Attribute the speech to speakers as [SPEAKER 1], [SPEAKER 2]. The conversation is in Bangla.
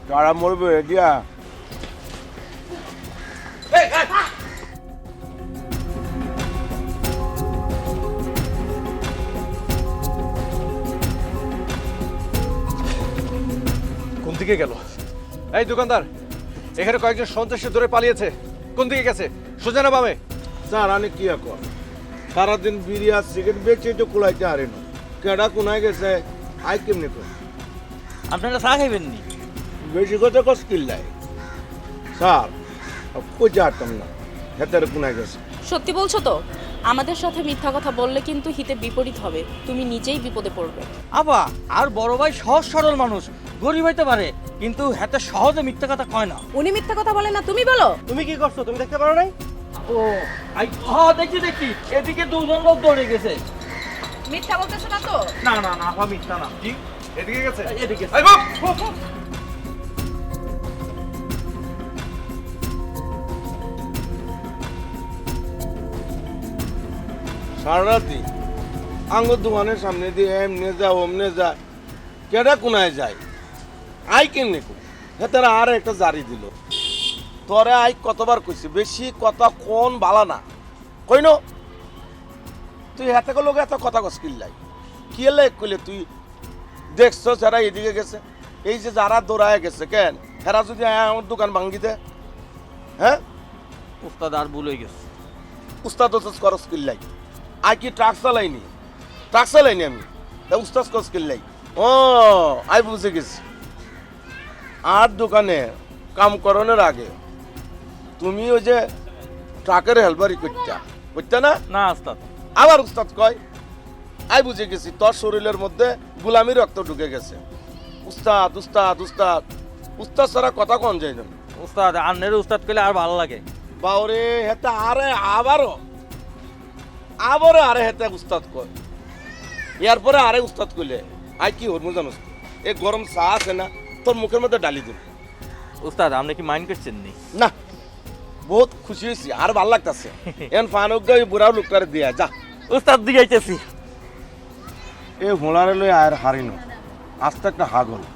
[SPEAKER 1] কারা মরবে দিয়া
[SPEAKER 2] কোন দিকে গেল? এই দোকানদার, এখানে কয়েকজন সন্ত্রাসী ধরে পালিয়েছে। কোন দিকে গেছে? সোজা না বামে?
[SPEAKER 1] স্যার আমি কি কর সারাদিন বিড়ি আর সিগারেট বেচে তো কুলাইতে হারে না কেডা কোনায় গেছে আই কেমনি কর
[SPEAKER 3] আপনারা চা খাইবেন নি?
[SPEAKER 1] বেশি কথা কস কিল্লাই স্যার কই যাতাম না হেতারে কোনায় গেছে
[SPEAKER 4] সত্যি বলছো তো? আমাদের সাথে মিথ্যা কথা বললে কিন্তু হিতে বিপরীত হবে, তুমি নিজেই বিপদে পড়বে।
[SPEAKER 3] আবা আর বড় ভাই সহজ সরল মানুষ, গরিব হইতে পারে কিন্তু হাতে সহজে মিথ্যা কথা কয় না।
[SPEAKER 4] উনি মিথ্যা কথা বলে না, তুমি বলো।
[SPEAKER 3] তুমি কি করছো? তুমি দেখতে পারো নাই? ও দেখছি দেখছি, এদিকে দুজন লোক দৌড়ে গেছে।
[SPEAKER 4] মিথ্যা বলতেছো না তো?
[SPEAKER 3] না না না, আপা মিথ্যা না।
[SPEAKER 2] কি এদিকে গেছে?
[SPEAKER 3] এদিকে।
[SPEAKER 2] এই বাপ!
[SPEAKER 1] সারা রাতি আঙ্গুর দোকানের সামনে দিয়ে এমনে যা ওমনে যা কেডা কোনায় যায় আই কেমনি কর হেতারা আর একটা জারি দিল তোরে আই কতবার কইছি বেশি কথা কোন বালা না কইন তুই হাতে লোক এত কথা কস কিল্লাই কি এলে কইলে তুই দেখছ যারা এদিকে গেছে এই যে যারা দৌড়ায় গেছে কেন হেরা যদি আমার দোকান ভাঙ্গি দে হ্যাঁ
[SPEAKER 3] উস্তাদ আর ভুল হয়ে গেছে।
[SPEAKER 1] উস্তাদ ওস্তাদ করস কিল্লাই আই কি ট্রাক চালাইনি আমি তা উস্তাদ করস কিল্লাই ও আই বুঝে গেছি আর দোকানে কাম করানোর আগে তুমি ওই যে ট্রাকের হেলপারি করতে না
[SPEAKER 3] না উস্তাদ।
[SPEAKER 1] আবার উস্তাদ কয় আই বুঝে গেছি তোর শরীরের মধ্যে গোলামি রক্ত ঢুকে গেছে উস্তাদ উস্তাদ উস্তাদ উস্তাদ ছাড়া কথা কন যায় না
[SPEAKER 3] উস্তাদ আন্নের উস্তাদ কইলে আর ভালো লাগে।
[SPEAKER 1] বাউরে হেতা আরে আবারও আরে হেতে উস্তাদ কয় এরপরে আরে উস্তাদ কইলে আই কি হরমু জানোস এই গরম চা আছে না তোর মুখের মধ্যে ডালি দিব
[SPEAKER 3] উস্তাদ আপনি কি মাইন্ড করছেন নি?
[SPEAKER 1] না বহুত খুশি হয়েছি আর ভাল লাগতেছে এন ফানুক গাই বুড়াও লোকটারে দিয়া যা
[SPEAKER 3] উস্তাদ দিগাইতেছি।
[SPEAKER 1] এ হোলারে লই আর হারিনো আস্তে একটা হাগল